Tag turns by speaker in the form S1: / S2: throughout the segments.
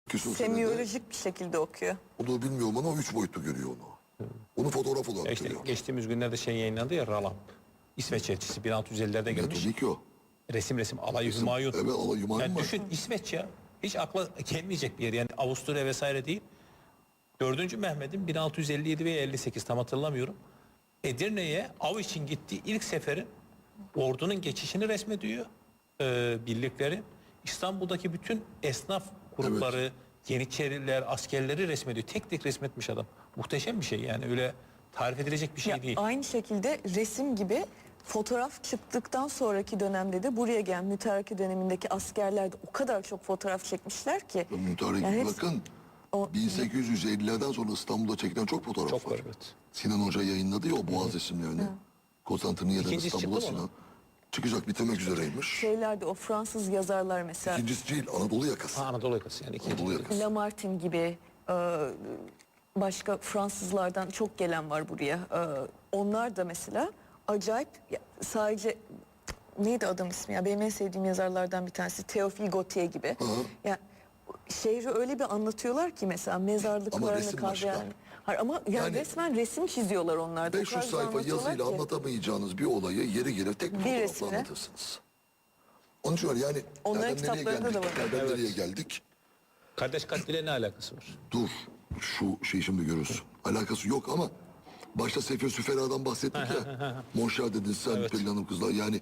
S1: küsur
S2: Semiyolojik bir şekilde okuyor.
S1: Onu bilmiyorum ama 3 boyutlu görüyor onu. Onu fotoğraf olarak
S3: İşte
S1: görüyor.
S3: geçtiğimiz günlerde şey yayınlandı ya, Ralam. İsveç elçisi 1650'lerde gelmiş.
S1: Tabii ki o.
S3: Resim Alay Hümayun.
S1: Evet, Alay Hümayun
S3: Yani
S1: var.
S3: düşün, İsveç ya. Hiç akla gelmeyecek bir yer. Yani Avusturya vesaire değil. 4. Mehmet'in 1657 veya 58 tam hatırlamıyorum. Edirne'ye av için gittiği ilk seferin ordunun geçişini resmediyor. Birlikleri. İstanbul'daki bütün esnaf grupları, Yeniçeriler, askerleri resmediyor. Tek tek resmetmiş adam. Muhteşem bir şey yani, öyle tarif edilecek bir şey
S2: Ya,
S3: değil.
S2: aynı şekilde resim gibi fotoğraf çıktıktan sonraki dönemde de buraya gelen mütareke dönemindeki askerler de o kadar çok fotoğraf çekmişler ki.
S1: Mütarek
S2: Yani
S1: bakın.
S2: o-
S1: 1850'lerden sonra İstanbul'da çekilen çok fotoğraf
S3: Çok
S1: var.
S3: var, evet.
S1: Sinan Hoca yayınladı ya o Boğaz resimlerini. Konstantiniyye'den
S3: İkincisi
S1: İstanbul'a
S3: çıktı mı
S1: Sinan. Çıkacak, bitirmek üzereymiş.
S2: şeylerde o Fransız yazarlar mesela
S1: İkincisi değil, Anadolu yakası.
S3: Ha, Anadolu yakası yani.
S1: Anadolu yakası.
S2: Lamartine gibi başka Fransızlardan çok gelen var buraya. Onlar da mesela acayip sadece neydi adam ismi ya, benim en sevdiğim yazarlardan bir tanesi Théophile Gautier gibi. Ya şehri öyle bir anlatıyorlar ki mesela
S1: Ama
S2: mezarlıklarını
S1: resim başka.
S2: kavrayan. Hayır, ama yani resmen resim çiziyorlar onlar da. O
S1: 500
S2: kadar güzel
S1: sayfa
S2: anlatıyorlar
S1: yazıyla
S2: ki.
S1: anlatamayacağınız bir olayı yeri gelir tek bir fotoğrafla
S2: resimle.
S1: anlatırsınız. Onun için var yani
S2: Onların
S1: nereden nereye
S2: kitaplarında
S1: geldik?
S2: da var.
S1: Nereden
S3: Evet.
S1: nereye geldik?
S3: Kardeş katliyle ne alakası var?
S1: Dur, şu şeyi şimdi görürsün. Alakası yok ama başta Sefir Süfera'dan bahsettik ya. Monşer dedin sen,
S3: Evet.
S1: Pelin Hanım kızlar. Yani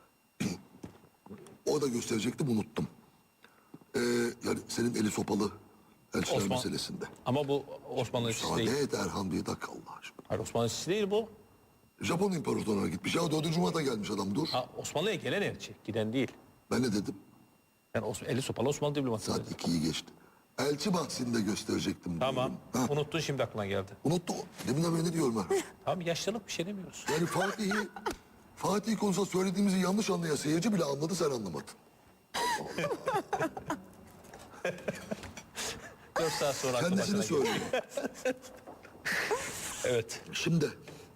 S1: o da gösterecektim, unuttum. Yani senin eli sopalı elçiler
S3: Osman-
S1: meselesinde.
S3: Ama bu Osmanlı elçisi
S1: Müsaade
S3: değil.
S1: et Erhan bir dakika Allah aşkına.
S3: Hayır, Osmanlı elçisi değil bu.
S1: Japon imparatorluğuna gitmiş. Ya 4. Murat'a gelmiş adam, dur.
S3: Ha, Osmanlı'ya gelen elçi, giden değil.
S1: Ben ne dedim?
S3: Yani eli sopalı Osmanlı diplomatı.
S1: Saat
S3: dedi.
S1: 2'yi geçti. Elçi bahsinde gösterecektim.
S3: Tamam.
S1: diyorum. Ha,
S3: Unuttun, şimdi aklına geldi.
S1: unuttu. Deminden beri ne diyorum Erhan?
S3: Tamam, yaşlılık, bir şey demiyoruz.
S1: Yani Fatih konusunda söylediğimizi yanlış anlayan seyirci bile anladı, sen anlamadın.
S3: 4 saat sonra aklı
S1: Kendisini
S3: başına geldi.
S1: söylüyor.
S3: Evet.
S1: Şimdi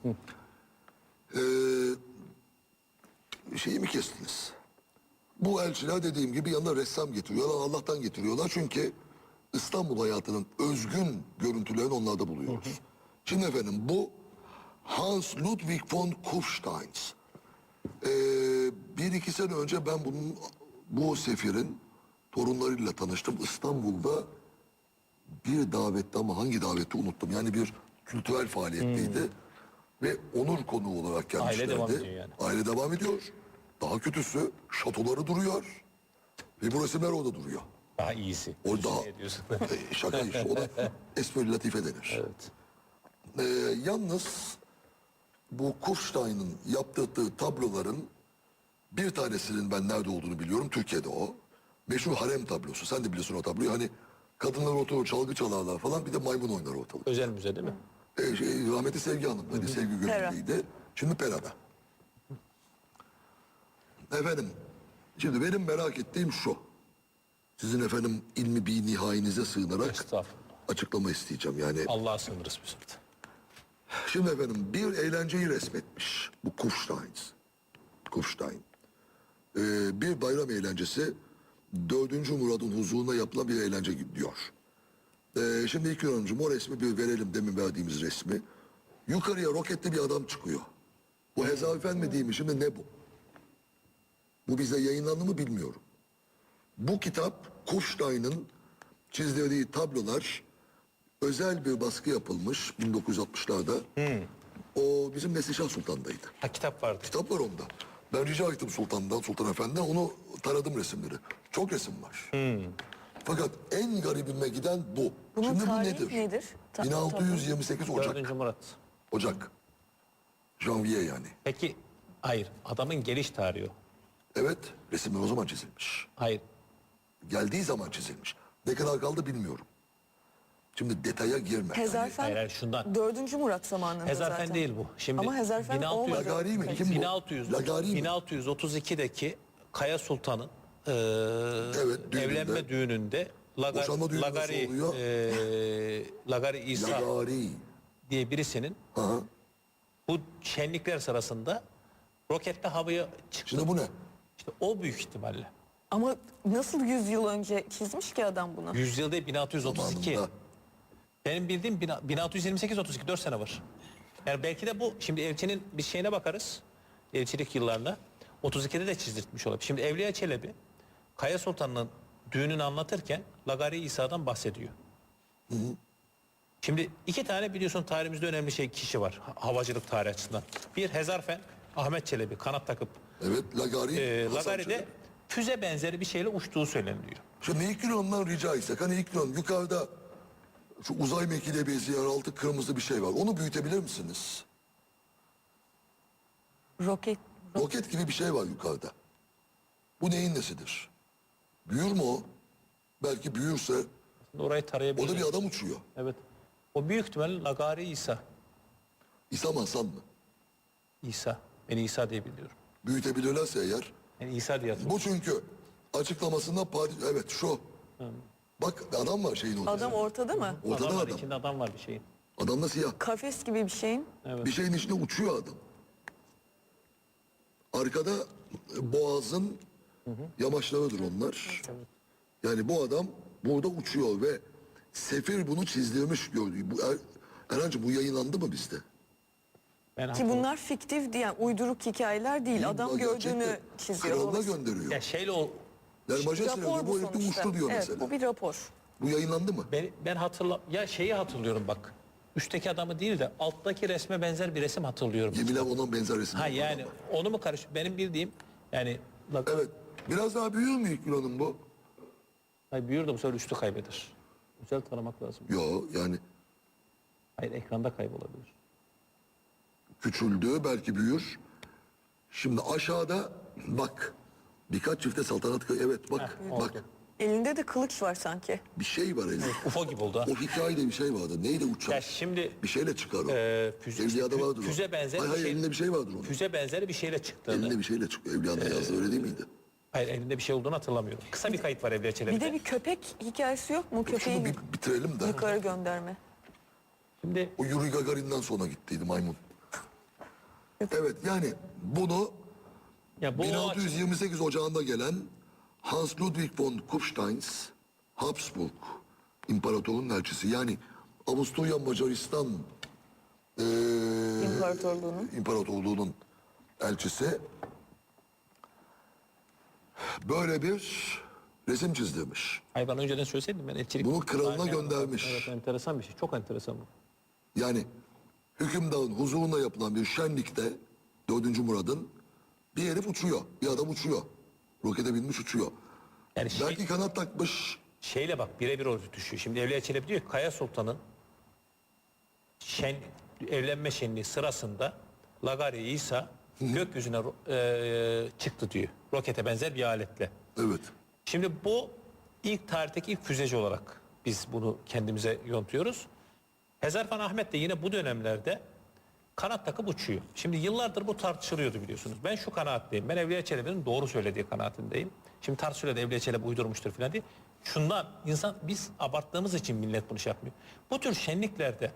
S1: şeyi mi kestiniz? Bu elçiler dediğim gibi yanına ressam getiriyorlar. Allah'tan getiriyorlar çünkü İstanbul hayatının özgün görüntülerini onlarda buluyoruz. Şimdi efendim bu Hans Ludwig von Kufstein. Bir iki sene önce ben bu sefirin torunlarıyla tanıştım. İstanbul'da bir davette, ama hangi daveti unuttum. Yani bir kültürel faaliyetteydi. Ve onur konuğu olarak gelmişlerdi.
S3: Aile devam ediyor yani.
S1: Aile devam ediyor. Daha kötüsü şatoları duruyor. Ve bu resimler orada duruyor.
S3: Daha iyisi.
S1: O daha
S3: Ne diyorsun?
S1: şaka işte. O da espri latife denir.
S3: Evet.
S1: Yalnız bu Kufstein'ın yaptırdığı tabloların bir tanesinin ben nerede olduğunu biliyorum. Türkiye'de o. Meşhur harem tablosu. Sen de biliyorsun o tabloyu. Hani kadınlar oturur, çalgı çalarlar falan. Bir de maymun oynar ortalık.
S3: Özel müze değil mi?
S1: Rahmetli Sevgi Hanım. Hani Sevgi gönüllüydü. Şimdi Pera'da. Efendim. Şimdi benim merak ettiğim şu. Sizin efendim ilmi bir nihayinize sığınarak
S3: Estağfurullah.
S1: açıklama isteyeceğim. Yani
S3: Allah'a sığınırız bir sırada.
S1: şimdi efendim bir eğlenceyi resmetmiş bu Kufstein. Bir bayram eğlencesi 4. Murad'ın huzuruna yapılan bir eğlence gibi diyor. Şimdi ilk Hanımcığım o resmi bir verelim, demin verdiğimiz resmi. Yukarıya roketli bir adam çıkıyor. Bu hezafen mi değil mi, şimdi ne bu? Bu bize yayınlandı mı bilmiyorum. Bu kitap Kufstein'ın çizdirdiği tablolar, özel bir baskı yapılmış 1960'larda. O bizim Neslişah Sultan'daydı.
S3: Ha, kitap vardı.
S1: Kitap var onda. Ben rica ettim Sultan Efendi'den, onu taradım resimleri. Çok resim var. Fakat en garibime giden bu.
S2: Bunun
S1: Şimdi bu
S2: tarihi
S1: nedir?
S2: nedir?
S1: 1628 Ocak.
S3: 4. Murat.
S1: Ocak. Janvier yani.
S3: Peki, hayır. Adamın geliş tarihi o.
S1: Evet, resimler o zaman çizilmiş.
S3: Hayır.
S1: Geldiği zaman çizilmiş. Ne kadar kaldı bilmiyorum. Şimdi detaya girme.
S2: Hezarfen
S3: Hayır, şundan.
S2: 4. Murat zamanında
S3: Hezarfen
S2: zaten.
S3: değil bu. Şimdi
S2: Ama Hezarfen
S3: 1600
S2: olmadı.
S1: Lagari mi? Kim bu?
S3: 1600,
S1: Lagari mi?
S3: 1632'deki Kaya Sultan'ın
S1: düğününde.
S3: evlenme düğününde
S1: Boşanma düğünü nasıl
S3: Lagari,
S1: oluyor?
S3: Lagari İsa
S1: Lagari.
S3: diye birisinin
S1: Aha.
S3: bu şenlikler sırasında roketle havaya çıktı.
S1: Şimdi bu ne?
S3: İşte o büyük ihtimalle.
S2: Ama nasıl 100 yıl önce çizmiş ki adam bunu?
S3: Yüzyıl değil 1632.
S1: Zamanında.
S3: Benim bildiğim 1628-32 4 sene var. Yani belki de bu şimdi elçinin bir şeyine bakarız. Elçilik yıllarında. 32'de de çizdirtmiş olabilir. Şimdi Evliya Çelebi Kaya Sultan'ın düğününü anlatırken Lagari İsa'dan bahsediyor. Şimdi iki tane biliyorsun tarihimizde önemli kişi var havacılık tarihi açısından. Bir Hezarfen Ahmet Çelebi kanat takıp
S1: Evet, Lagari. Hasan
S3: Lagari'de
S1: Çelebi.
S3: füze benzeri bir şeyle uçtuğu söyleniyor.
S1: Şimdi ilk ondan rica etsek, hani ilk yukarıda şu uzay mekiğine benzeyen altı kırmızı bir şey var. Onu büyütebilir misiniz?
S2: Roket.
S1: Roket gibi bir şey var yukarıda. Bu neyin nesidir? Büyür mü o? Belki büyürse
S3: Orayı tarayabiliriz.
S1: o da bir adam uçuyor.
S3: Evet. O büyük ihtimalle Lagari İsa.
S1: İsa mı Hasan mı?
S3: İsa. Ben İsa diye biliyorum.
S1: Büyütebilirlerse eğer.
S3: Ben İsa diye hatırlıyorum.
S1: Bu çünkü açıklamasında evet şu. Bak adam var şeyin ortasında.
S2: Adam ortada mı?
S1: Ortada
S3: Adam var,
S1: adam.
S3: içinde adam var bir şeyin.
S1: Adam da siyah.
S2: Kafes gibi bir şeyin.
S3: Evet.
S1: Bir şeyin içinde uçuyor adam. Arkada boğazın yamaçlarıdır onlar. Yani bu adam burada uçuyor ve Sefir bunu çizdirmiş gördüğü. Erhan'cığım bu yayınlandı mı bizde?
S3: Ben
S2: Ki
S3: hatırlıyorum.
S2: bunlar fiktif diye yani uyduruk hikayeler değil. Adam
S1: Bunlar
S2: gördüğünü
S1: gerçekten
S2: çiziyor.
S1: Kralına
S2: Dolayısıyla-
S1: gönderiyor.
S3: Ya şeyle o
S1: Yani majesteleri
S2: Rapor
S1: bu
S2: bu
S1: herif de
S2: sonuçta.
S1: uçtu diyor
S2: Evet,
S1: mesela.
S2: bu bir rapor.
S1: Bu yayınlandı mı?
S3: ben ya şeyi hatırlıyorum bak. Üstteki adamı değil de alttaki resme benzer bir resim hatırlıyorum.
S1: Yeminle onun benzer resimler
S3: Ha
S1: var
S3: yani
S1: ama.
S3: onu mu karış? Benim bildiğim yani
S1: Evet. Biraz daha büyür mü ilk Yunan'ın bu?
S3: Hayır, büyür de bu sefer üstü kaybeder. Güzel taramak lazım.
S1: Yo yani
S3: Hayır, ekranda kaybolabilir.
S1: küçüldü belki büyür. Şimdi aşağıda bak birkaç çifte saltanat evet bak
S3: oldu.
S1: bak
S2: Elinde de kılıç var sanki.
S1: bir şey var elinde.
S3: UFO gibi oldu ha.
S1: O hikayede bir şey vardı. Neydi uçak?
S3: Ya şimdi
S1: Bir şeyle çıkar o.
S3: füze,
S1: Evliya'da vardır o.
S3: füze benzeri
S1: Hayır,
S3: bir
S1: hayır,
S3: şey.
S1: elinde bir şey vardır onun.
S3: Füze benzeri bir şeyle çıktığını.
S1: Elinde bir şeyle çıkıyor. Evliya'da yazdı öyle değil miydi?
S3: Hayır, elinde bir şey olduğunu hatırlamıyorum. Kısa bir kayıt var Evliya Çelebi'de.
S2: Bir de bir köpek hikayesi yok mu?
S1: Şunu
S2: Köpeği
S1: bir bitirelim de.
S2: yukarı gönderme.
S3: Şimdi
S1: O Yuri Gagarin'den sonra gittiydi maymun. Evet yani bunu
S3: ya bu
S1: 1628 Ocağı'nda gelen Hans Ludwig von Kupsteins Habsburg İmparatorluğun elçisi yani Avusturya Macaristan İmparatorluğu'nun elçisi böyle bir resim çizdirmiş.
S3: Hayır, ben önceden söyleseydim ben elçilik.
S1: Bunu kralına
S3: Aynen.
S1: göndermiş.
S3: Evet, enteresan bir şey. Çok enteresan bu.
S1: Yani hükümdarın huzuruna yapılan bir şenlikte 4. Murad'ın bir herif uçuyor. Bir adam uçuyor. Rokete binmiş uçuyor.
S3: Yani
S1: Belki kanat takmış.
S3: şeyle bak birebir orada düşüyor. Şimdi Evliya Çelebi diyor ki Kaya Sultan'ın evlenme şenliği sırasında Lagari İsa gökyüzüne çıktı diyor. Rokete benzer bir aletle.
S1: Evet.
S3: Şimdi bu ilk tarihteki ilk füzeci olarak biz bunu kendimize yontuyoruz. Hezarfen Ahmet de yine bu dönemlerde kanat takıp uçuyor. Şimdi yıllardır bu tartışılıyordu biliyorsunuz. Ben şu kanaatteyim. Ben Evliya Çelebi'nin doğru söylediği kanaatindeyim. Şimdi tartışılıyor da Evliya Çelebi uydurmuştur falan diye. Şundan biz abarttığımız için millet bunu şey yapmıyor. Bu tür şenliklerde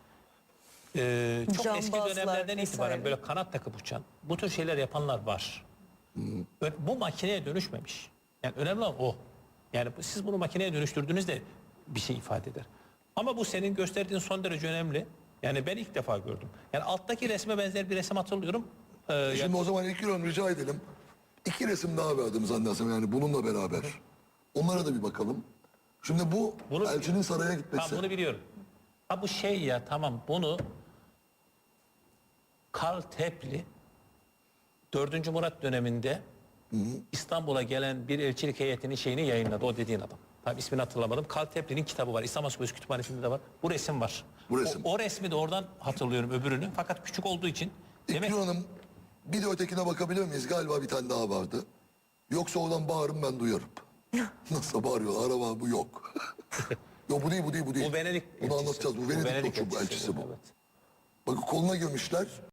S3: çok eski
S2: Cambazlar
S3: dönemlerden itibaren
S2: vesaire.
S3: böyle kanat takıp uçan bu tür şeyler yapanlar var. Bu makineye dönüşmemiş. Yani önemli olan o. Yani siz bunu makineye dönüştürdüğünüzde bir şey ifade eder. Ama bu senin gösterdiğin son derece önemli. Yani ben ilk defa gördüm. Yani alttaki resme benzer bir resim hatırlıyorum.
S1: Şimdi o zaman ilk rica edelim. 2 resim daha verdim zannedersem yani bununla beraber. Onlara da bir bakalım. Şimdi bu
S3: Bunu-
S1: elçinin saraya gitmesi.
S3: Tamam, bunu biliyorum. Ha bu şey ya tamam bunu Karl Tepli 4. Murat döneminde İstanbul'a gelen bir elçilik heyetinin şeyini yayınladı. O dediğin adam. Tabii ismini hatırlamadım. Karl Tepli'nin kitabı var. İstanbul Ansiklopedisi Kütüphanesi'nde de var. Bu resim var.
S1: Bu resim.
S3: O resmi de oradan hatırlıyorum öbürünü. Fakat küçük olduğu için. Demek
S1: İlknur Hanım bir de ötekine bakabilir miyiz? Galiba bir tane daha vardı. Yoksa oradan bağırın ben duyarım. Nasıl bağırıyor? Araba bu yok. Yok bu değil bu değil bu değil.
S3: bu Venedik
S1: Bunu
S3: elçisi.
S1: anlatacağız. Bu Venedik koçu bu
S3: elçisi.
S1: elçisi bu.
S3: Evet.
S1: Bakın koluna girmişler.